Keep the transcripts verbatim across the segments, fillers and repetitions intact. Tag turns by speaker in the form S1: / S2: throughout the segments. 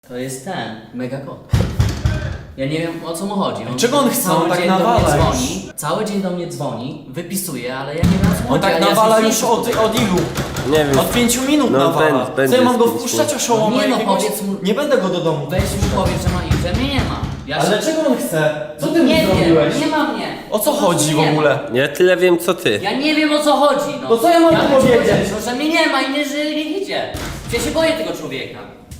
S1: To jest ten, mega kot. Ja nie wiem, o co mu chodzi. On
S2: czego on chce?
S1: Cały
S2: On tak
S1: dzień do
S2: nawala
S1: mnie
S2: już.
S1: dzwoni, cały dzień do mnie dzwoni, wypisuje, ale ja nie wiem, o co mu
S2: On
S1: chodzi.
S2: tak
S1: ja
S2: nawala
S1: ja
S2: już od, od ilu?
S3: Nie wiem.
S2: Od pięciu minut
S3: No,
S2: nawala.
S3: ben-
S2: Co ja mam go
S3: będzie
S2: wpuszczać
S3: spięć.
S2: oszołoma
S1: Nie no,
S2: jakiegoś?
S1: powiedz mu-
S2: Nie będę go do domu.
S1: Weź mu powiedz, że ma i że mnie nie ma. Ja
S2: Ale
S1: się...
S2: czego on chce? Co ty mu
S1: Nie
S2: zrobiłeś?
S1: wiem, nie ma mnie.
S2: O co
S1: Po
S2: chodzi
S1: prostu
S2: w
S1: nie ma.
S2: ogóle?
S3: Ja tyle wiem co ty.
S1: Ja nie wiem, o co chodzi. No,
S2: To co ja mam
S1: ja
S2: mu
S1: bym ci
S2: powiedzieć?
S1: powiedział, że mnie nie ma i nie żyje, nie idzie. Ja się boję tego człowieka.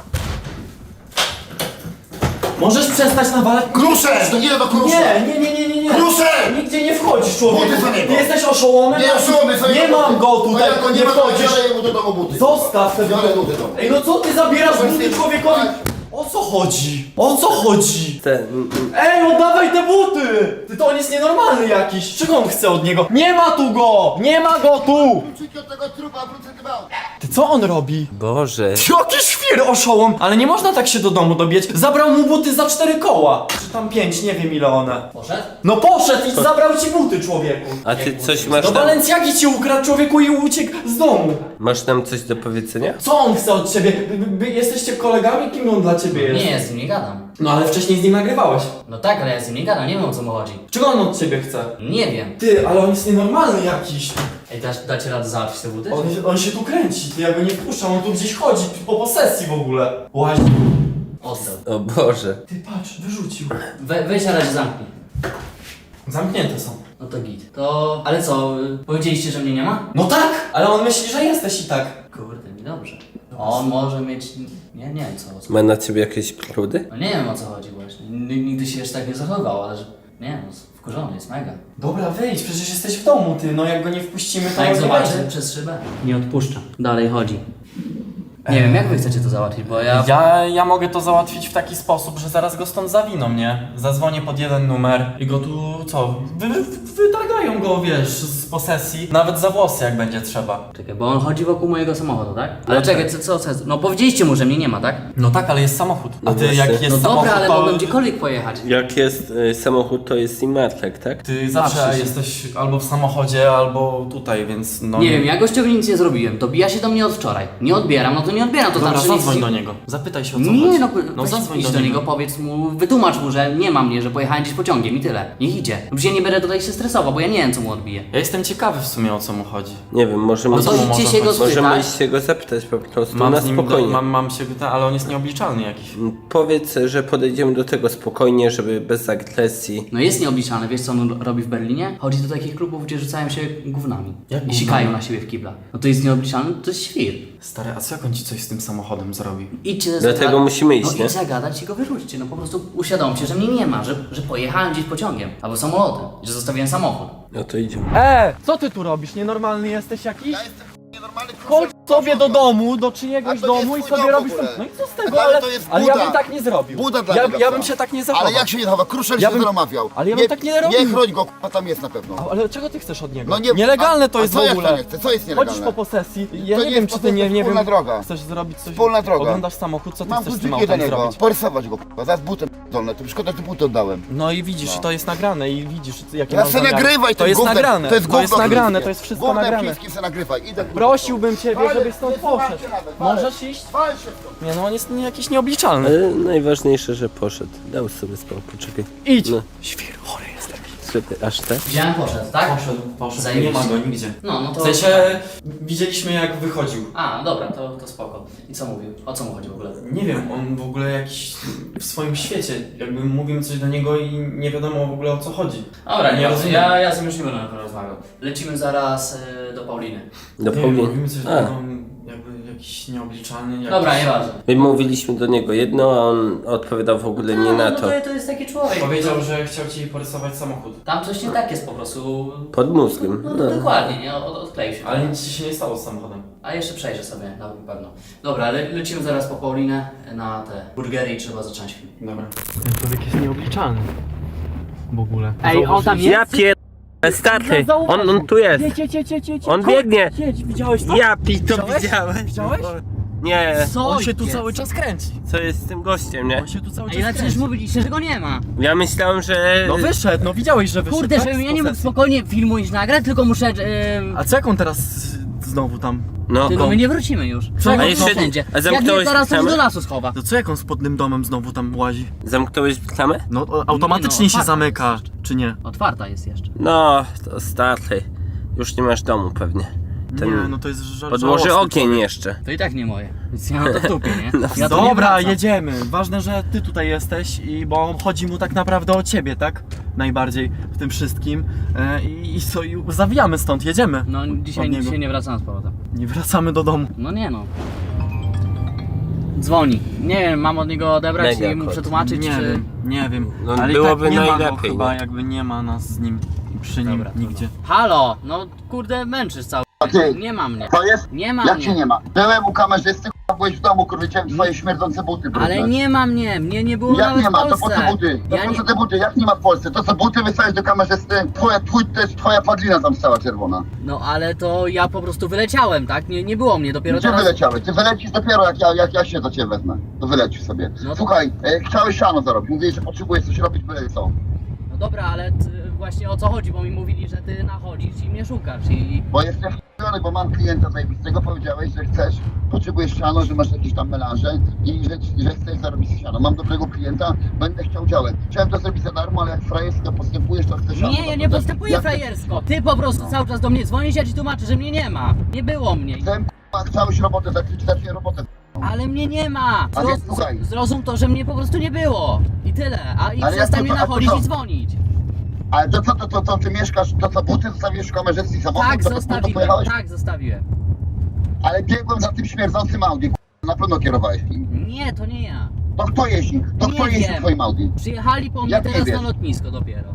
S2: Możesz przestać nawalać?
S4: Kruszek! To nie do krusza!
S2: Nie, nie, nie, nie, nie, nie.
S4: Kruszek!
S2: Nigdzie nie wchodzisz, człowieku.
S4: Buty za niego.
S2: Ty jesteś oszołomem?
S4: Nie oszołomy sobie
S2: Nie
S4: buty.
S2: mam go tutaj,
S4: No jak go nie
S2: nie
S4: ma, to
S2: wchodzisz.
S4: biorę mu do domu buty.
S2: Zostaw te
S4: Biorę
S2: buty.
S4: buty do domu.
S2: Ej, no co ty zabierasz
S4: Weź
S2: buty
S4: ty-
S2: człowiekowi?
S4: tak.
S2: O co chodzi? O co chodzi?
S3: Te, mm, mm.
S2: Ej, oddawaj te buty! Ty to on jest nienormalny jakiś. Czego on chce od niego? Nie ma tu go! Nie ma go tu!
S4: Kluczyki od tego trupa, wrócę dbał.
S2: Ty co on robi?
S3: Boże.
S2: Jaki świr oszołom! Ale nie można tak się do domu dobiec. Zabrał mu buty za cztery koła. Czy tam pięć, nie wiem ile one.
S1: Poszedł?
S2: No poszedł i zabrał ci buty, człowieku.
S3: A ty coś masz
S2: Do
S3: nam,
S2: Balenciagi ci ukradł, człowieku, i uciekł z domu.
S3: masz nam coś do powiedzenia?
S2: Co on chce od ciebie? Wy, wy, wy jesteście kolegami? Kim on dla ciebie jest?
S1: Nie, ja z nim nie gadam.
S2: No ale wcześniej z nim nagrywałeś.
S1: No tak, ale ja z nim nie gadam, nie wiem, o co mu chodzi.
S2: Czego on od ciebie chce?
S1: Nie wiem.
S2: Ty, ale on jest nienormalny jakiś.
S1: Ej, dasz, dacie radę załatwić te buty?
S2: On, on się tu kręci, ty, ja go nie wpuszczam, on tu gdzieś chodzi, po posesji w ogóle. Łazi.
S1: Oddał.
S3: O Boże.
S2: Ty patrz, wyrzucił.
S1: We, weź na razie zamknij.
S2: Zamknięte są.
S1: No to git. To... Ale co, y, powiedzieliście, że mnie nie ma?
S2: No tak, ale on myśli, że jesteś i tak.
S1: Kurde, mi dobrze. On może mieć... Nie, nie wiem co, o co.
S3: Ma na ciebie jakieś prudy?
S1: No nie wiem, o co chodzi właśnie. N- Nigdy się jeszcze tak nie zachowywał, ale że... Nie wiem, wkurzony jest mega.
S2: Dobra, wyjdź, przecież jesteś w domu, ty, no jak go nie wpuścimy, to
S1: A jak
S2: on nie
S1: zobaczy
S2: będzie.
S1: przez szybę? Nie odpuszcza. Dalej chodzi. Nie wiem, jak wy chcecie to załatwić, bo ja...
S2: Ja, ja mogę to załatwić w taki sposób, że zaraz go stąd zawiną, nie? Zadzwonię pod jeden numer i go tu, co, wy, wy, wytargają go, wiesz, z posesji, nawet za włosy, jak będzie trzeba.
S1: Czekaj, bo on chodzi wokół mojego samochodu, tak? Ale
S2: No
S1: czekaj,
S2: tak.
S1: co, co, co? No powiedzieliście mu, że mnie nie ma, tak?
S2: No tak, ale jest samochód. A
S3: No
S2: ty,
S3: właśnie.
S2: jak jest
S1: No
S2: samochód,
S1: dobra, ale
S2: to...
S1: mogłem gdziekolwiek pojechać.
S3: Jak jest y, samochód, to jest i martek, tak?
S2: Ty zawsze
S1: Patrz się.
S2: jesteś albo w samochodzie, albo tutaj, więc no...
S1: Nie wiem, ja gościowi nic nie zrobiłem. Dobija się do mnie od wczoraj. Nie odbieram, no to nie odbieram, to
S2: Dobra,
S1: znaczy... nic-
S2: zadzwoń do niego. Zapytaj się o co
S1: Nie,
S2: chodzi.
S1: no,
S2: no
S1: weź
S2: zadzwoń
S1: idź
S2: do,
S1: do
S2: niego.
S1: niego, powiedz mu, wytłumacz mu, że nie ma mnie, że pojechałem gdzieś pociągiem i tyle. Niech idzie. No przecież ja nie będę tutaj się stresował, bo ja nie wiem, co mu odbije.
S2: Ja jestem ciekawy w sumie o co mu chodzi.
S3: Nie wiem, możemy,
S2: O co mu
S1: idźcie
S2: może
S1: się go
S2: chodzić?
S3: możemy
S1: spytać.
S3: iść się go zapytać po prostu
S2: Mam
S3: na
S2: z nim,
S3: spokojnie.
S2: do, mam, mam się, ale on jest nieobliczalny jakiś.
S3: Powiedz, że podejdziemy do tego spokojnie, żeby bez agresji.
S1: No jest nieobliczalny, wiesz co on robi w Berlinie? Chodzi do takich klubów, gdzie rzucają się gównami.
S2: Jak
S1: I
S2: gównami?
S1: sikają na siebie w kibla. No to jest nieobliczalny, to jest świr.
S2: Stary, a co jak on ci coś z tym samochodem zrobił?
S1: Idźcie
S3: Dlatego
S1: zagada-
S3: musimy iść,
S1: no
S3: nie?
S1: idź zagadać i go wyrzućcie. No po prostu uświadomcie, że mnie nie ma, że, że pojechałem gdzieś pociągiem albo samolotem, że zostawiłem samochód.
S3: No to idziemy.
S2: E, co ty tu robisz? Nienormalny jesteś jakiś?
S4: Ja jestem nienormalny kruszek.
S2: Chodź sobie do domu, do czyjegoś
S4: A to nie
S2: domu i
S4: twój
S2: sobie
S4: dom w
S2: robisz
S4: ogóle.
S2: tam. No i co z tego,
S4: Ale
S2: ale,
S4: to jest
S2: ale ja
S4: Buda.
S2: bym tak nie zrobił.
S4: Buda dla
S2: ja,
S4: niego
S2: ja bym
S4: była.
S2: się tak nie zachował.
S4: Ale jak się nie zachowa? Kruszek
S2: Ja
S4: się
S2: bym-
S4: namawiał.
S2: ale ja bym tak nie robił.
S4: Nie chroń go, k***a, tam jest na pewno.
S2: A, ale czego ty chcesz od niego?
S4: No nie-
S2: Nielegalne
S4: a-
S2: to
S4: a
S2: jest
S4: co
S2: w
S4: jak
S2: ogóle.
S4: to nie chce? Co jest
S2: Chodzisz
S4: nielegalne?
S2: po posesji. Ja
S4: To
S2: nie
S4: nie
S2: wiem,
S4: jest
S2: czy ty nie,
S4: posesja,
S2: nie wiem.
S4: wspólna droga.
S2: Chcesz zrobić coś.
S4: Wspólna droga.
S2: Oglądasz samochód, co ty
S4: Mam
S2: chcesz z tym
S4: kluczyki do
S2: autem
S4: niego.
S2: zrobić?
S4: Porysować go, k***a. Zaraz butem dolne. To szkoda, że buty oddałem.
S2: No i widzisz,
S4: No.
S2: to jest nagrane i widzisz, jakie
S4: Ja
S2: mam
S4: se
S2: zamiary.
S4: nagrywaj
S2: To
S4: tym
S2: jest
S4: gównem.
S2: nagrane,
S4: To jest,
S2: to jest
S4: gówno
S2: nagrane,
S4: chińskie.
S2: to jest wszystko
S4: Gównem
S2: nagrane.
S4: chińskim se nagrywaj. Idę, k***a.
S2: Prosiłbym ciebie,
S4: Ale
S2: żebyś stąd
S4: wysłuchajcie
S2: poszedł.
S4: nawet, ale-
S2: Możesz iść?
S4: Wal się stąd.
S2: Nie no, on jest nie- jakiś nieobliczalny.
S3: Ale najważniejsze, że poszedł. Dał sobie spokój, poczekaj.
S2: Idź!
S3: No.
S2: Świr, chory jest taki.
S3: Czekaj, aż tak?
S1: Widziałem, poszedł, tak?
S2: Poszedł, poszedł, nie
S1: Zajebiście.
S2: ma go nigdzie.
S1: No, no to...
S2: W sensie, widzieliśmy jak wychodził.
S1: A, dobra, to, to spoko. I co mówił? O co mu chodzi w ogóle?
S2: Nie wiem, on w ogóle jakiś w swoim świecie, jakby mówimy coś do niego i nie wiadomo w ogóle o co chodzi.
S1: Dobra, nie
S2: Nie
S1: rozumiem.
S2: rozumiem.
S1: Ja, ja z tym już nie będę na pewno rozmawiał. Lecimy zaraz y, do Pauliny.
S3: Do
S2: Nie wiem,
S3: Pauliny.
S2: mówimy coś do
S3: A.
S2: niego, jakby jakiś nieobliczalny. Jakiś...
S1: Dobra, nieważne.
S3: My mówiliśmy do niego jedno, a on odpowiadał w ogóle nie
S1: No,
S3: na
S1: no
S3: to.
S1: to, to jest taki człowiek.
S2: Powiedział, że chciał ci porysować samochód.
S1: Tam coś nie tak jest po prostu.
S3: Pod mózgiem.
S1: No,
S3: No.
S1: dokładnie, nie? Od, odkleił się.
S2: Ale nic ci się nie stało z samochodem.
S1: A jeszcze przejrzę sobie, na pewno. Dobra, le, lecimy zaraz po Paulinę na te burgery i trzeba zacząć film.
S2: Dobra. Ten człowiek jest nieobliczalny. W ogóle.
S1: Ej, on tam jest?
S3: Ja pier... Stary, on, on tu jest.
S2: Jedź, jedź, jedź, jedź, jedź.
S3: On
S2: Chodź,
S3: biegnie.
S2: Jedź, widziałeś to?
S3: Ja pi, to
S2: Widziałeś?
S3: widziałem.
S2: Widziałeś?
S3: Nie,
S1: Co
S2: On się tu
S1: jest?
S2: cały czas kręci.
S3: co jest z tym gościem, nie?
S2: On się tu cały
S1: Ej,
S2: czas
S1: ale przecież
S2: kręci.
S1: mówiliście, że go nie ma.
S3: Ja myślałem, że...
S2: No wyszedł, no widziałeś, że wyszedł.
S1: Kurde,
S2: tak?
S1: żebym
S2: Z
S1: ja nie mógł
S2: posesji.
S1: spokojnie filmu iść nagrać, tylko muszę... Yy...
S2: A co jak on teraz znowu tam
S3: No,
S1: Tylko my nie wrócimy już.
S2: Co?
S1: No,
S2: A
S3: jeszcze-
S1: wszędzie.
S3: a
S1: Jak
S3: zamknąłeś
S1: nie, zaraz to się
S3: bramę?
S1: do lasu schowa.
S2: To co jak on z podnym domem znowu tam łazi?
S3: Zamknąłeś klamę?
S2: No o, automatycznie
S1: Nie no,
S2: się
S1: otwarta
S2: zamyka,
S1: jest
S2: czy nie?
S1: Otwarta jest jeszcze.
S3: No, to starty. Już nie masz domu pewnie. Ten
S2: Nie, no to jest żal
S3: podłoży
S2: żałosny
S3: ogień
S2: człowiek.
S3: jeszcze.
S1: To i tak nie moje. Więc ja mam to w dupie, nie?
S3: No,
S1: Ja tu nie
S2: Dobra,
S1: wracam.
S2: jedziemy. Ważne, że ty tutaj jesteś i bo chodzi mu tak naprawdę o ciebie, tak? Najbardziej w tym wszystkim. E, I, i co, i zawijamy stąd, jedziemy.
S1: No dzisiaj,
S2: Od niego.
S1: dzisiaj nie wracam z powrotem.
S2: Nie wracamy do domu.
S1: No nie no. Dzwoni. Nie wiem, mam od niego odebrać
S3: Mega
S1: i mu
S3: kot.
S1: przetłumaczyć,
S2: Nie
S1: czy...
S2: wiem, nie wiem.
S3: No,
S2: Ale
S3: byłoby
S2: i tak nie ma go
S3: najlepiej,
S2: chyba,
S3: nie?
S2: jakby nie ma nas z nim i przy nim
S1: Dobra,
S2: nigdzie.
S1: Halo! No kurde, męczysz cały.
S4: A ty?
S1: Nie ma mnie.
S4: To jest?
S1: Nie ma
S4: Jak
S1: mnie.
S4: cię nie ma? Byłem u kamerzysty, k***a, byłeś w domu, kurwa, chciałem twoje śmierdzące buty
S1: Ale
S4: porównać.
S1: nie ma mnie. Mnie nie było
S4: Jak
S1: nawet
S4: nie ma?
S1: w
S4: To po
S1: Polsce.
S4: co buty? To
S1: Ja
S4: po
S1: nie...
S4: co te buty? Jak nie ma w Polsce? To co buty wysłałeś do kamerzysty? Twoja, twój, to jest twoja padlina tam stała czerwona.
S1: No ale to ja po prostu wyleciałem, tak? Nie, nie było mnie, dopiero
S4: Gdzie
S1: teraz...
S4: wyleciałeś? Ty wylecisz dopiero jak ja, jak ja się do ciebie wezmę. To wylecisz sobie.
S1: No.
S4: Słuchaj, e, chciałeś siano zarobić. Mówiłeś, że potrzebujesz coś robić, byle co.
S1: No dobra, ale ty, właśnie o co chodzi, bo mi mówili, że ty nachodzisz i mnie szukasz i...
S4: Bo jestem f***ony, bo mam klienta zajebistego, powiedziałeś, że chcesz, potrzebujesz siano, że masz jakieś tam melanże i że, że chcesz zarobić siano. Mam dobrego klienta, będę chciał działek. Chciałem to zrobić za darmo, ale jak frajersko postępujesz, to chcę siano.
S1: Nie, ja nie
S4: Naprawdę.
S1: postępuję
S4: Ja
S1: frajersko. Ty po prostu cały czas do mnie dzwonisz, ja ci tłumaczę, że mnie nie ma. Nie było mnie.
S4: Chcę, k***a, chciałeś robotę, zakryć zacznie robotę.
S1: Ale mnie nie ma!
S4: Ale
S1: Zroz,
S4: słuchaj.
S1: zrozum to, że mnie po prostu nie było. I tyle. A i
S4: Ale
S1: przestań
S4: jak
S1: mnie
S4: to- a to
S1: nachodzić
S4: co?
S1: i dzwonić.
S4: Ale to co, to, to, to ty mieszkasz, to co, buty zostawiłeś w kamerzystce i samochód,
S1: Tak,
S4: to, to, to
S1: zostawiłem.
S4: pojechałeś?
S1: Tak, zostawiłem.
S4: Ale biegłem za tym śmierdzącym Audi, k***a, na pewno kierowałeś nim.
S1: Nie, to nie ja.
S4: To kto jeździ? To
S1: Nie
S4: kto jeździ
S1: wiem.
S4: w twoim Audi?
S1: Przyjechali po mnie
S4: Jak nie
S1: teraz
S4: wiesz?
S1: na lotnisko dopiero.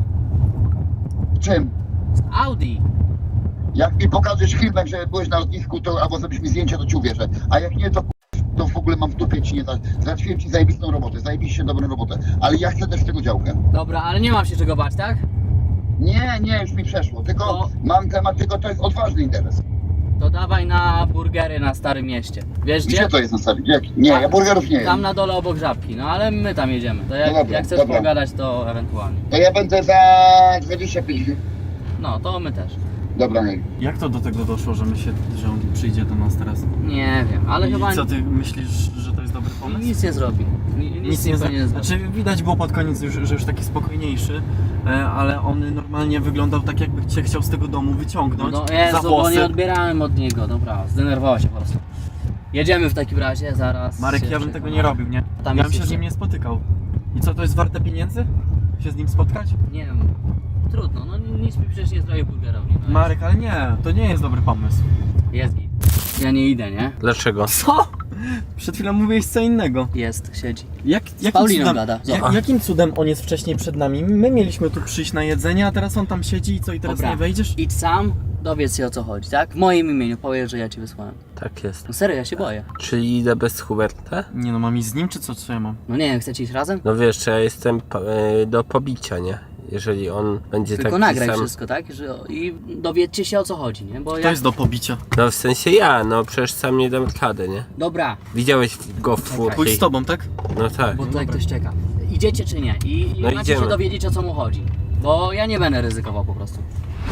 S4: Czym?
S1: Z Audi.
S4: Jak mi pokażesz filmek, że byłeś na lotnisku, to albo zrobisz mi zdjęcie, to ci uwierzę. A jak nie, to to w ogóle mam w dupie ci nie dać. Załatwiłem ci zajebistą robotę, zajebiście dobrą robotę. Ale ja chcę też tego działkę.
S1: Dobra, ale nie mam się czego bać, tak?
S4: Nie, nie, już mi przeszło. Tylko
S1: No.
S4: mam temat, tylko to jest odważny interes.
S1: To dawaj na burgery na Starym Mieście. Wiesz gdzie?
S4: Gdzie to jest na sali? Gdzie? Nie, ja burgerów nie
S1: Tam
S4: jem.
S1: na dole obok Żabki, no ale my tam jedziemy. To jak,
S4: No dobra,
S1: jak chcesz
S4: dobra.
S1: pogadać, to ewentualnie.
S4: To ja będę za dwadzieścia pięć.
S1: No, to my też.
S4: Dobra, hej.
S2: Jak to do tego doszło, że my się, że on przyjdzie do nas teraz?
S1: Nie wiem, ale
S2: I
S1: chyba
S2: co ty myślisz, że to jest dobry pomysł?
S1: nic nie zrobi. Nic, nic nie,
S2: zna-
S1: nie zrobi.
S2: Znaczy widać było pod koniec, już, że już taki spokojniejszy, e, ale on normalnie wyglądał tak, jakby cię chciał z tego domu wyciągnąć
S1: No
S2: za
S1: Jezu, bo
S2: włosy.
S1: nie odbierałem od niego, dobra, zdenerwował się po prostu. Jedziemy w takim razie, zaraz.
S2: Marek,
S1: się
S2: ja bym tego
S1: przekonamy.
S2: nie robił, nie?
S1: Tam
S2: Ja
S1: jest
S2: bym się z
S1: jeszcze-
S2: nim nie spotykał. I co, to jest warte pieniędzy? Się z nim spotkać?
S1: Nie wiem, trudno, no nic mi przecież nie zrobił burgerowi. No.
S2: Marek, ale nie, to nie jest dobry pomysł.
S1: Jest git. Ja nie idę, nie?
S3: Dlaczego?
S2: Co? Przed chwilą mówiłeś co innego.
S1: Jest, siedzi.
S2: Jak, jakim,
S1: Pauliną
S2: cudem,
S1: gada.
S2: jak,
S1: Zobacz.
S2: jakim cudem on jest wcześniej przed nami? My mieliśmy tu przyjść na jedzenie, a teraz on tam siedzi i co, i teraz
S1: Dobra,
S2: nie wejdziesz?
S1: idź sam, dowiedz się o co chodzi, tak? W moim imieniu powiesz, że ja cię wysłałem.
S3: Tak jest.
S1: No serio, ja się boję.
S3: Czyli idę bez Huberta?
S2: Nie no, mam iść z nim, czy co, co ja mam?
S1: No nie wiem, chcecie iść razem?
S3: No wiesz, ja jestem po- e, do pobicia, nie? Jeżeli on będzie
S1: Tylko
S3: taki
S1: nagraj
S3: sam...
S1: wszystko, tak? Że, I dowiedzcie się o co chodzi, nie? Bo
S2: To
S1: ja...
S2: jest do pobicia.
S3: No w sensie ja, no przecież sam nie dam radę, nie?
S1: Dobra,
S3: Widziałeś go w
S2: Pójdź
S3: furcie.
S2: z tobą, tak?
S3: No tak.
S1: bo tutaj ktoś czeka. Idziecie czy nie? I, i
S3: No
S1: macie
S3: idziemy.
S1: się dowiedzieć o co mu chodzi. Bo ja nie będę ryzykował po prostu.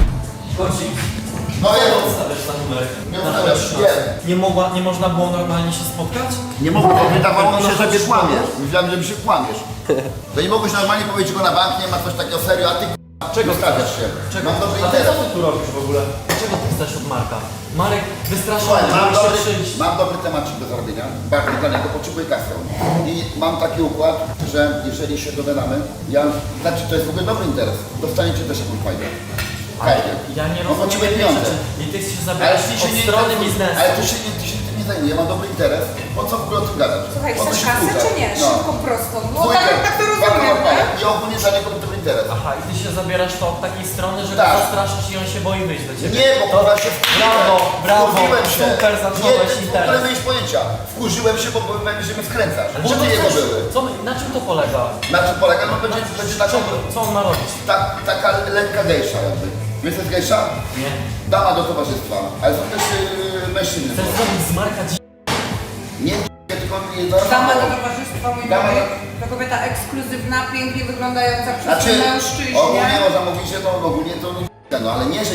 S4: No jest,
S2: Stawiasz na numer.
S4: nie ustawiasz, nie.
S2: Nie, mogła, nie można było normalnie się spotkać?
S4: Nie mogłem, wydawało mi się, że mnie kłamiesz. Myślałem, że mi się kłamiesz. To nie mogłeś normalnie powiedzieć go na bank, nie ma coś takiego serio, a ty czego stawiasz się? Mam dobry
S2: A ty
S4: interes.
S2: co ty tu robisz w ogóle? Czego ty chcesz od Marka? Marek wystraszył
S4: Słuchaj,
S2: mnie,
S4: mam
S2: żeby się
S4: dobry,
S2: przyjść.
S4: mam dobry temat do zrobienia, bardzo dla niego, potrzebuję kasę. I mam taki układ, że jeżeli się dogadamy, ja, znaczy to jest w ogóle dobry interes, dostaniecie też jakąś fajdę. Fajdę.
S2: Ja nie
S4: No,
S2: rozumiem
S4: potrzebuję
S2: jednej
S4: pieniądze.
S2: rzeczy. I ty się
S4: Ale
S2: zabierasz
S4: ty
S2: od
S4: się nie
S2: strony
S4: interesuj-
S2: biznesu.
S4: Ale ty się, nie, ty się tym nie zajmuję, ja mam dobry interes. Po co w ogóle o tym gadać?
S5: Słuchaj,
S4: Po co
S5: chcesz
S4: się
S5: kasy
S4: kłócać?
S5: czy nie?
S4: No.
S5: Szybko, prosto. No
S4: Dwójkę,
S5: tak, tak to
S4: dwa
S5: rozumiem,
S4: kawałki.
S5: nie?
S4: I ogólnie dla niego dobry interes.
S2: Aha, i ty się zabierasz to od takiej strony, że
S4: Tak.
S2: go zastraszysz i on się boi wyjść do ciebie.
S4: Nie, bo
S2: to...
S4: kurwa się
S2: Brawo, brawo,
S4: wkurzyłem się.
S2: super,
S4: Nie,
S2: zacząłeś
S4: ty w ogóle
S2: interes.
S4: nie miałeś pojęcia. Wkurzyłem się, bo byłem, że mnie wkręcasz.
S2: Ale
S4: Buty
S2: czego
S4: jego
S2: chcesz?
S4: były.
S2: Co, na czym to polega?
S4: Na czym polega? No będzie, będzie taką,
S2: Czego, co on ma robić?
S4: tak, taka lekka gejsza jakby. Wiesz co jest gejsza?
S2: Nie.
S4: Dama do towarzystwa. Ale są też yy, mężczyzny.
S2: Chcesz zrobić z Marka dzi...
S4: Nie tylko nie do
S5: Dama do towarzystwa, mój
S4: Dama
S5: drogi.
S4: do-
S5: To kobieta ekskluzywna, pięknie wyglądająca przez
S4: Znaczy,
S5: mężczyźnie.
S4: ogólnie no zamówicie, to ogólnie to no, no ale nie, że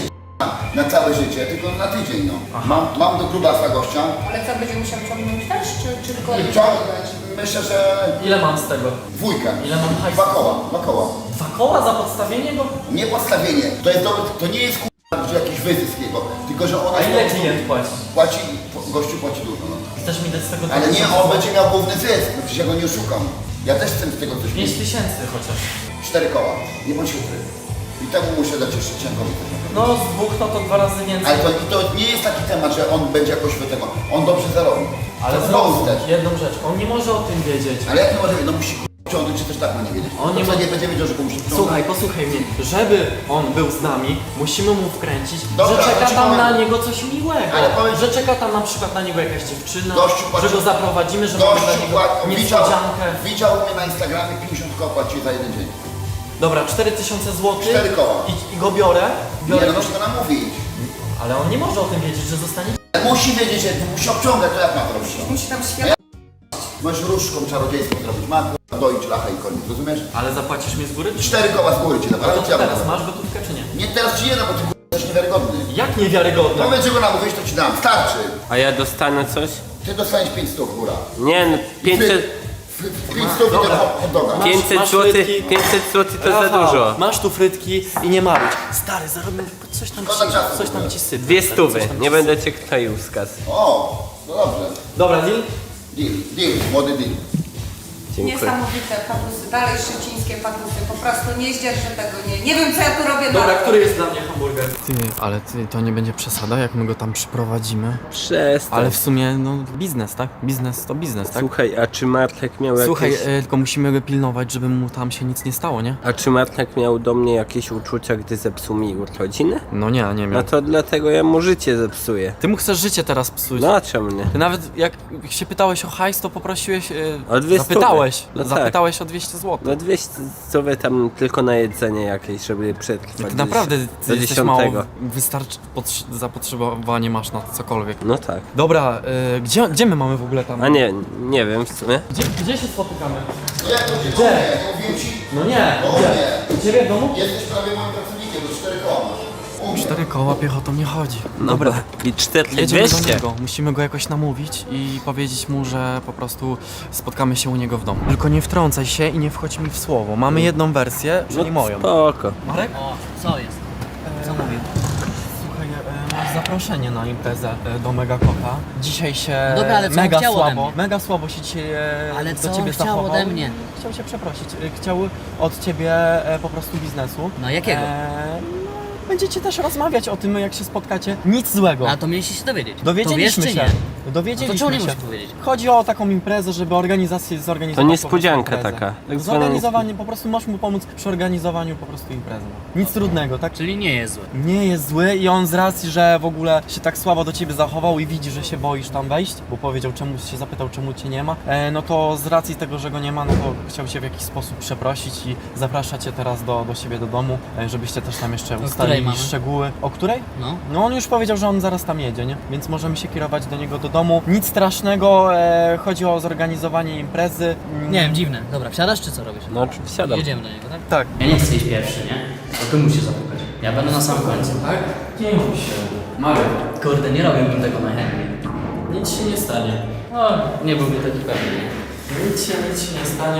S4: na całe życie, tylko na tydzień, no. Mam, mam do grubasa gościa.
S5: Ale co, będzie musiał ciągnąć też, czy, czy tylko...
S4: Ciągnąć, myślę, że
S2: Ile mam z tego?
S4: dwójkę.
S2: Ile mam hajsu?
S4: Dwa koła, dwa koła.
S2: Dwa koła za podstawienie go?
S4: Nie podstawienie, to jest dobre, to nie jest k***a jakiś wyzysk jego, tylko że ona...
S2: A ile klient płaci?
S4: Płaci, gościu płaci dużo, no.
S2: Chcesz mi dać z tego
S4: Ale nie, on będzie miał główny zysk, no przecież ja go nie oszukam. Ja też chcę z tego coś
S2: pięć
S4: mieć.
S2: tysięcy chociaż.
S4: Cztery koła, nie bądź ukryty. I temu muszę dać jeszcze cienkowi.
S2: No z dwóch no to dwa razy więcej.
S4: Ale to, to nie jest taki temat, że on będzie jakoś do tego. On dobrze zarobi.
S2: Ale
S4: To
S2: znowu
S4: znowu też.
S2: jedną rzecz, on nie może o tym wiedzieć.
S4: Ale jak nie może wiedzieć, no musi ciągnąć, czy też tak ma nie wiedzieć.
S2: On
S4: On
S2: nie
S4: nie,
S2: ma-
S4: nie będzie wiedział, że komuś wciągnąć.
S2: Słuchaj, posłuchaj mnie. Żeby on był z nami, musimy mu wkręcić,
S4: Dobra,
S2: że czeka
S4: to ci
S2: tam
S4: powiem.
S2: na niego coś miłego.
S4: Ale powiem-
S2: Że czeka tam na przykład na niego jakaś dziewczyna,
S4: Gościu płaci-
S2: że go zaprowadzimy, że mamy dla
S4: Gościu
S2: niego
S4: płaci, widział,
S2: niespodziankę.
S4: widział u mnie na Instagramie pięćdziesiąt koła płaci za jeden dzień.
S2: Dobra, cztery tysiące złotych
S4: Cztery koła.
S2: i, i go biorę, biorę
S4: Nie, no
S2: go,
S4: musi go namówić.
S2: ale on nie może o tym wiedzieć, że zostanie...
S4: Musi wiedzieć, że musi obciągać, to jak ma to robić?
S5: Musi tam świat...
S4: Możesz różdżką czarodziejską zrobić. Ma k***a doić lachę i koniec, rozumiesz?
S2: Ale zapłacisz mi z góry? Czy...
S4: Cztery koła z góry ci dam,
S2: A
S4: ale
S2: to
S4: co ja
S2: teraz
S4: mam?
S2: masz gotówkę czy nie?
S4: Nie teraz ci nie dam, bo ty k***a jesteś niewiarygodny.
S2: Jak niewiarygodne?
S4: Powiedz, że go namówisz, to ci dam. Starczy.
S3: A ja dostanę coś?
S4: Ty dostaniesz pięć stów, góra.
S3: Nie, no pięćset,
S4: pięć stów i
S2: Dobra.
S4: ten hot doga.
S2: Masz-
S3: pięćset
S2: masz
S3: złotych,
S2: frytki?
S3: pięćset złotych to za
S2: Rafał,
S3: dużo.
S2: masz tu frytki i nie maruć. Stary, zarobię coś tam
S4: Szkoda
S2: ci,
S4: czasu.
S2: coś tam ci sypie.
S3: Dwie
S2: Coś
S3: stówy,
S2: tam ci
S3: nie
S2: sypie.
S3: będę cię kroił skaz.
S4: O, no dobrze.
S2: Dobra, deal?
S4: Deal, deal, młody deal.
S3: Dziękuję.
S5: Niesamowite patusy, dalej szczecińskie patusy, po prostu nie zdzierżę tego, nie. Nie wiem co ja tu robię
S2: Dobra,
S5: na...
S2: który jest dla mnie hamburger? Ty, ale ty, to nie będzie przesada, jak my go tam przyprowadzimy.
S3: Przestań.
S2: Ale w sumie, no, biznes, tak? Biznes to biznes, tak?
S3: Słuchaj, a czy Martek miał
S2: Słuchaj,
S3: jakieś...
S2: e, tylko musimy go pilnować, żeby mu tam się nic nie stało, nie?
S3: A czy Martek miał do mnie jakieś uczucia, gdy zepsuł mi urodziny?
S2: No nie, nie
S3: No
S2: miał.
S3: to dlatego ja mu życie zepsuję.
S2: Ty mu chcesz życie teraz psuć.
S3: No a czemu nie?
S2: Ty nawet jak się pytałeś o hajs, to poprosiłeś, e,
S3: O dwie
S2: zapytałeś,
S3: stówy. No tak.
S2: zapytałeś o dwieście złotych.
S3: No dwieście stówy tam tylko na jedzenie jakieś, żeby przetrwać.
S2: Ty naprawdę
S3: do
S2: ty jesteś mało,
S3: dziesiątego.
S2: wystarczy, potrz- zapotrzebowanie masz na cokolwiek.
S3: No tak.
S2: Dobra, e, gdzie, gdzie my mamy w ogóle tam?
S3: A nie, nie wiem w sumie.
S2: Gdzie, gdzie się spotykamy?
S4: Nie, to cię
S2: Gdzie?
S4: nie mówię ci.
S2: No nie,
S4: O
S2: gdzie?
S4: nie.
S2: U ciebie w domu?
S4: Jesteś prawie moim pracownikiem, do cztery koła masz. U mnie.
S2: Cztery koła piechotą nie chodzi.
S3: Dobra. I cztery
S2: Jedziemy do
S3: dwieście.
S2: niego, musimy go jakoś namówić i powiedzieć mu, że po prostu spotkamy się u niego w domu. Tylko nie wtrącaj się i nie wchodź mi w słowo. Mamy jedną wersję, czyli moją.
S3: Spoko.
S2: Marek?
S1: O, co jest? Co mówił?
S2: Słuchaj, e, masz zaproszenie na imprezę e, do Mega Kota. Dzisiaj się
S1: No dobra, ale co on
S2: mega
S1: chciał ode
S2: słabo,
S1: mnie?
S2: mega słabo się dzisiaj e,
S1: Ale
S2: do
S1: co on
S2: ciebie
S1: chciał
S2: zachował.
S1: ode mnie?
S2: Chciał się przeprosić. E, Chciał od ciebie e, po prostu biznesu.
S1: No jakiego?
S2: E, no, będziecie też rozmawiać o tym, jak się spotkacie. Nic złego.
S1: A to mieliście się dowiedzieć.
S2: Dowiedzieliśmy
S1: to wiesz,
S2: się.
S1: czy nie? No to
S2: Dowiedzieliśmy
S1: czemu nie
S2: się.
S1: musisz powiedzieć?
S2: Chodzi o taką imprezę, żeby organizację zorganizować.
S3: To niespodzianka
S2: po prostu
S3: taka.
S2: imprezę.
S3: Tak zwana
S2: Zorganizowanie, po prostu możesz mu pomóc przy organizowaniu po prostu imprezy. Nic trudnego, tak?
S1: Czyli nie jest zły.
S2: Nie jest zły i on z racji, że w ogóle się tak słabo do ciebie zachował i widzi, że się boisz tam wejść, bo powiedział, czemu się zapytał, czemu cię nie ma, e, no to z racji tego, że go nie ma, no to chciał cię w jakiś sposób przeprosić i zaprasza cię teraz do, do siebie do domu, e, żebyście też tam jeszcze
S1: której
S2: ustalili
S1: mamy?
S2: szczegóły. O której?
S1: No.
S2: No on już powiedział, że on zaraz tam jedzie, nie? Więc możemy się kierować do niego do domu. Nic strasznego, e, chodzi o zorganizowanie imprezy. Mm,
S1: Nie wiem, dziwne. Dobra, wsiadasz czy co robisz?
S3: No oczywiście wsiadam.
S1: Jedziemy do niego, tak?
S2: Tak.
S1: Ja nie chcę iść pierwszy, nie? To ty musisz zapukać. Ja będę na samym końcu.
S2: Tak? Nie bój się. Marek,
S1: Kurde, nie robiłbym tego najchętniej.
S2: nic się nie stanie.
S1: O, nie byłby taki pewny, nie?
S2: Nic się, nic się nie stanie.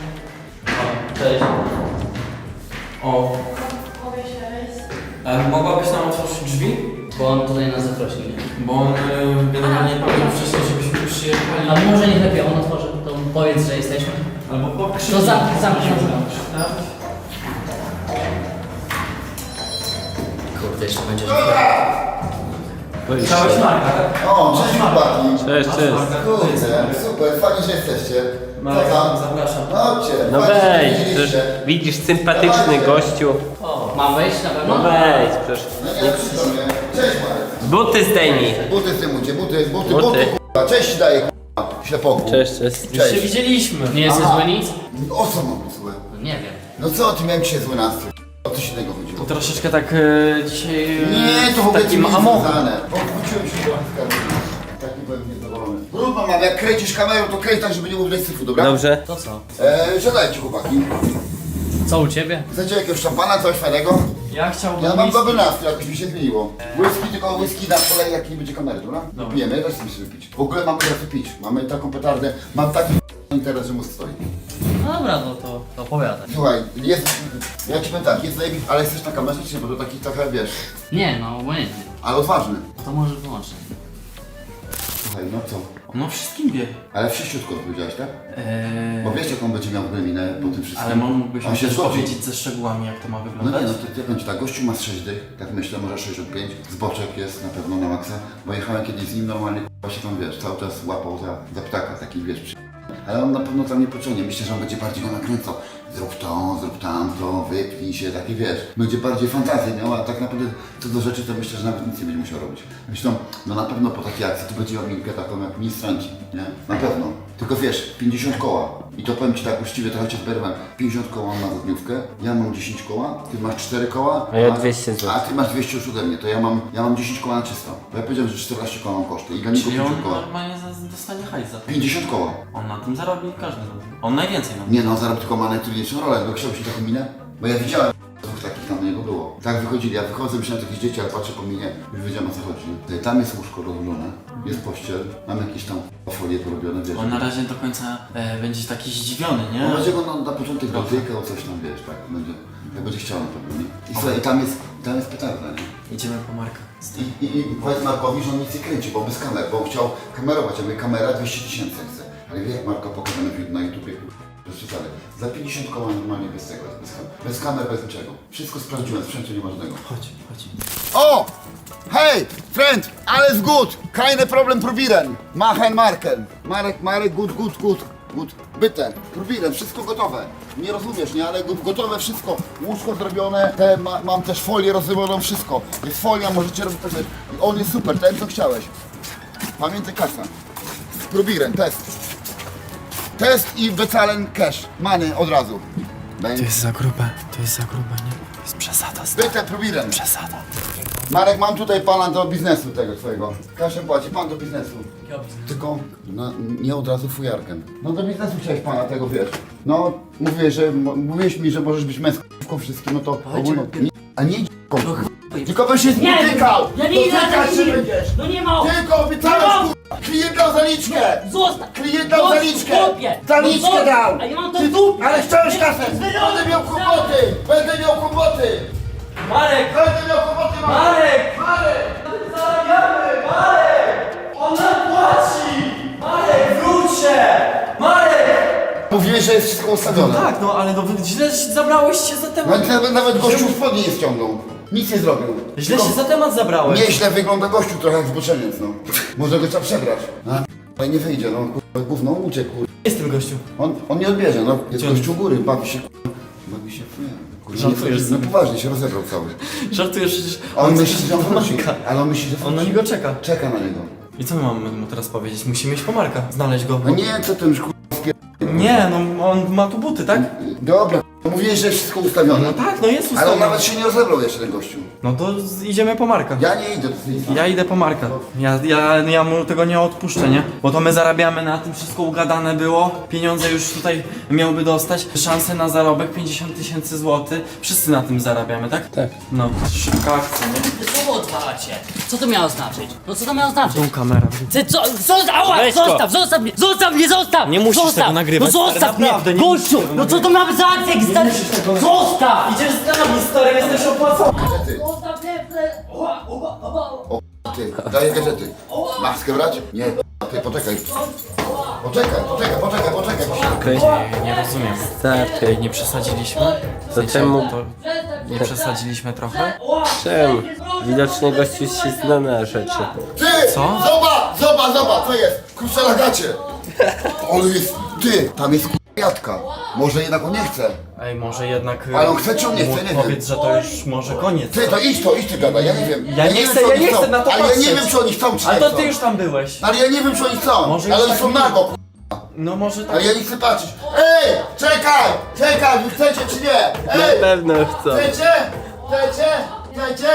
S2: O, cześć. O. A mogłabyś nam otworzyć drzwi?
S1: Bo on tutaj nas zaprosił, nie?
S2: Bo on y, generalnie powiedział wcześniej, żebyśmy przyjechali.
S1: A może nie lepiej on otworzy, to powiedz, że jesteśmy.
S2: Albo pokrzyż.
S1: To zamknij, zamknij.
S2: Tak?
S1: Kurde, jeszcze będzie.
S2: Chciałeś Marka, tak?
S4: O, cześć chłopaki.
S3: Cześć, cześć.
S4: Kurde, super, fajnie, że jesteście. Co
S2: Marek,
S4: tam?
S2: zapraszam.
S4: Chodźcie,
S3: No
S4: fajnie, że
S3: wejdź,
S4: widzieliście.
S3: przecież widzisz sympatyczny
S4: Dawajcie.
S3: gościu.
S1: O, mam wejść na pewno?
S3: No wejdź, przecież.
S4: No nie, przykro mnie. Cześć Marek.
S3: Buty zdejmij.
S4: Buty zdejmujcie, buty, buty,
S3: Buty.
S4: buty, kurwa. Cześć daję, kurwa, ślepoku.
S3: Cześć, cześć.
S2: Już się
S4: Cześć.
S2: widzieliśmy.
S1: Nie jesteś
S4: Aha.
S1: zły nic?
S4: O co mam być złe?
S1: No nie wiem.
S4: No co, ty miałem dzisiaj zły nastrój. O coś innego chodziło.
S2: To troszeczkę tak y, dzisiaj... y,
S4: Nie, to w ogóle
S2: takim
S4: nie jest
S2: amochem.
S4: związane. Odwróciłem się do kamery. Taki byłem niezadowolony. Brudno mam, jak kręcisz kamerą, to kręć tak, żeby nie było widać syfu, dobra?
S3: Dobrze.
S1: To co?
S4: Eee, siadajcie chłopaki.
S1: Co u ciebie?
S4: Chcecie jakiegoś szampana, coś fajnego?
S2: Ja chciałbym
S4: Ja mam
S2: whisky.
S4: dobry nastrój, jakoś mi się zmieniło. Whisky, tylko whisky na kolei, jak nie będzie kamery, dobra? Pijemy, też chcemy sobie pić. W ogóle mam teraz pić. Mamy taką petardę, mam taki interes, że mózg stoi.
S1: No dobra, no to, to opowiadaj.
S4: Słuchaj, jest, ja ci powiem tak, jest zajebisty, ale jesteś na kamerze, czy nie? Bo to taki trochę, wiesz,
S1: Nie, no obojętnie.
S4: ale odważny.
S1: To może wyłączyć.
S4: Słuchaj, no co?
S2: No wszystkim wie.
S4: Ale wszyściutko powiedziałeś, tak?
S2: Eee,
S4: Bo wiesz, jak on będzie miał minę po tym wszystkim.
S2: ale mógłbyś
S4: on
S2: mi
S4: się
S2: też
S4: zgodzi.
S2: powiedzieć ze szczegółami, jak to ma
S4: No
S2: wyglądać?
S4: nie, no to ja powiem ci tak, gościu ma z sześć dych, tak myślę, może sześćdziesiąt pięć, zboczek jest na pewno na maksa, bo jechałem kiedyś z nim normalnie, k***a się tam, wiesz, cały czas łapał za, za ptaka, taki, wiesz, przy... Ale on na pewno tam nie pociągnie, myślę, że on będzie bardziej go nakręcał. Zrób to, zrób tamto, wypnij się, taki, wiesz, będzie bardziej fantazję miał, a tak naprawdę co do rzeczy, to myślę, że nawet nic nie będzie musiał robić. Myślę, no na pewno po takiej akcji to będzie miał minkę taką jak ministranci, nie? Na pewno. Tylko wiesz, pięćdziesiąt koła. I to powiem ci tak uczciwie, trochę cię zberwam. pięćdziesiąt koła na dniówkę, ja mam dziesięć koła, ty masz cztery koła,
S3: A ja dwieście złotych.
S4: a ty masz dwieście już ode mnie, to ja mam, ja mam dziesięć koła na czysto. Bo ja powiedziałem, że czternaście koła mam koszty i dla niego
S2: Czyli on
S4: pięćdziesiąt koła.
S2: normalnie za- dostanie hajs za to.
S4: pięćdziesiąt koła.
S2: On na tym zarobi każdy. On najwięcej na tym.
S4: Nie no, zarob tylko ma najtrudniejszą rolę, bo chciałbyś taką minę? Bo ja widziałem dwóch takich tam na niego było. Tak wychodzili, ja wychodzę, myślałem, że jakieś dzieci, ale patrzę po minie, już wiedziałem o co chodzi. nie? Tam jest łóżko rozłożone, jest pościel, mam jakieś tam folie porobione, wiesz.
S2: On na razie do końca e, będzie taki zdziwiony, nie?
S4: On będzie go na, na początek dotykał, coś tam, wiesz, tak, będzie, jak będzie chciał na pewno, nie? I słuchaj, i tam jest, tam jest petarda, nie?
S2: Idziemy po Marka.
S4: I, i, I powiedz Markowi, że on nic nie kręci, bo bez kamer, bo on chciał kamerować, ja mówię, kamera dwieście tysięcy chce. Ale wie jak Marka pokazane na YouTubie, przeczytali. Za pięćdziesiąt koła normalnie bez tego, bez kamer, bez kamer, bez niczego. Wszystko sprawdziłem, sprzętu nie ma żadnego.
S2: Chodź, chodź.
S4: O! Hej, friend, alles gut, keine Problem probieren. Machen Marken. Marek, Marek, gut, gut, gut, gut. Bitte, probieren, wszystko gotowe. Nie rozumiesz, nie, ale gotowe wszystko. Łóżko zrobione, te, ma, mam też folię rozrobioną, wszystko. Jest folia, możecie robić też. On jest super, ten co chciałeś. Pamiętaj kasa. Probieren, test. Test i bezahlen cash. Money od razu.
S2: To jest za grube, to jest za grube, nie? To jest przesada, stary.
S4: Bitte, probieren.
S2: Przesada.
S4: Marek, mam tutaj pana do biznesu tego twojego. Kaszę płaci pan do biznesu. Tylko no, nie od razu fujarkiem. No do biznesu chciałeś pana tego, wiesz. No, mówię, że m- mówiłeś mi, że możesz być męską wszystkim, no to ogólnie... Nie, a nie d***ką. Tylko byś się spotykał!
S6: Ja nie idę na
S4: Dotykać się
S6: taki-
S4: będziesz!
S6: No nie ma!
S4: Tylko obiecałeś,
S6: No!
S4: k***a! Klient dał zaliczkę!
S6: Zostaw!
S4: Klient dał
S6: Zostaw,
S4: zaliczkę!
S6: chłopie!
S4: Zaliczkę
S6: No zostaw!
S4: dał!
S6: A ja mam to
S4: Ty-
S6: w dupie!
S4: Ale chciałeś
S6: Nie,
S4: kasę!
S6: wyrok!
S4: Będę miał kłopoty! Będę miał kłopoty!
S2: Marek!
S4: Będę miał kłopoty!
S2: Marek!
S4: Marek!
S2: Zarabiamy! Marek! On nam płaci! Marek, wróć się! Marek!
S4: Mówiłeś, że jest wszystko ustawione.
S2: Tak, no ale no, źle zabrałeś się za temat.
S4: Nawet, nawet gościu spodnie nie ściągnął. Nic nie zrobił.
S2: Źle
S4: Tylko
S2: się za temat zabrałeś.
S4: Nieźle wygląda gościu, trochę jak zboczeniec, no. Może go trzeba przebrać. A, ale nie wyjdzie, no. Kurwa, gówno uciekł, kurwa.
S2: Jest tym gościu.
S4: On, on nie odbierze, no. Jest
S2: Gdzie on
S4: gościu u góry, bawi się, kurwa. Bawi się, kurwa.
S2: Żartujesz
S4: No
S2: sobie.
S4: poważnie, się rozebrał cały.
S2: Żartujesz przecież.
S4: A on
S2: chce
S4: myśli, że on
S2: po
S4: wróci.
S2: Marka.
S4: Ale on myśli, że
S2: On na
S4: wróci.
S2: niego czeka.
S4: Czeka na niego.
S2: I co my mamy mu teraz powiedzieć? Musimy iść po Marka. Znaleźć go.
S4: A nie, co ty już, kurwa, wpier...
S2: Nie, no on ma tu buty, tak?
S4: Dobra, mówiłeś, że jest wszystko ustawione.
S2: No tak, no jest
S4: Ale on
S2: ustawiony.
S4: nawet się nie rozebrał jeszcze, ten gościu.
S2: No to z- idziemy po Marka.
S4: Ja nie idę do tej
S2: Ja idę po Marka. Ja, ja, ja mu tego nie odpuszczę, nie? Bo to my zarabiamy na tym, wszystko ugadane było. Pieniądze już tutaj miałby dostać. Szanse na zarobek pięćdziesiąt tysięcy złotych. Wszyscy na tym zarabiamy, tak? Tak. No, szybka akcja, nie?
S6: Wy słowo odwalacie! Co to miało znaczyć? No co to miało znaczyć?
S2: Tu kamera.
S6: Ty co? Zostaw! Ała!
S2: Weź go.
S6: Zostaw! Zostaw mnie! Zostaw mnie! Zostaw!
S2: Nie musisz
S6: zostaw.
S2: tego nagrywać,
S6: No
S2: stary,
S6: zostaw mnie!
S2: naprawdę, nie
S6: Gościu!
S2: musisz tego
S6: No co to ma być za akcja? Jak stary... Zostaw!
S2: Idziesz z nami, stary, jesteś opłacony.
S4: gazety.
S6: Zostaw mnie! Ała, ała, ała.
S4: Ty, daję gazety. Maskę brać? Nie, ty, poczekaj. Poczekaj, poczekaj, poczekaj, poczekaj.
S3: Okej.
S2: Nie rozumiem.
S3: Starczy.
S2: Nie przesadziliśmy? W
S3: To czemu?
S2: To nie przesadziliśmy trochę?
S3: Czemu? Widocznie gościu się zna na rzeczy.
S4: Ty!
S2: Co?
S4: Zobacz, zobacz, zobacz, co jest? Kurczę na gacie. On jest, ty, tam jest k***jatka. Może jednak on nie chce.
S2: Ej, może jednak...
S4: Ale on chce czy on nie
S2: mu
S4: chce? Nie wiem.
S2: Powiedz, że to już może koniec.
S4: Ty, to idź to, idź ty gadaj, ja nie wiem.
S2: Ja nie
S4: wiem,
S2: chcę,
S4: czy
S2: ja
S4: oni
S2: nie
S4: chcą.
S2: chcę na to
S4: Ale ja nie
S2: patrzeć.
S4: wiem, czy oni chcą, czy
S2: Ale
S4: nie
S2: to
S4: chcą.
S2: ty już tam byłeś.
S4: Ale ja nie wiem, czy oni chcą.
S2: Może
S4: Ale
S2: już
S4: oni
S2: tak
S4: są
S2: nie-
S4: nago, k***.
S2: No może tak.
S4: Ale ja nie chcę patrzeć. Ej, czekaj, czekaj, wy chcecie czy nie?
S3: Na
S4: Ej,
S3: pewno chcą.
S4: chcecie? Chcecie? Chcecie?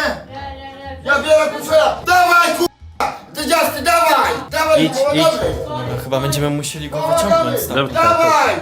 S4: Ja biorę kusera. Dawaj, k***a! Ty dziasty, dawaj! Dawaj,
S2: Idź,
S4: kurwa,
S2: idź.
S4: dobry.
S2: Dobra, chyba będziemy musieli go
S4: Kurwa,
S2: wyciągnąć
S4: dobry.
S2: stąd.
S4: Dawaj!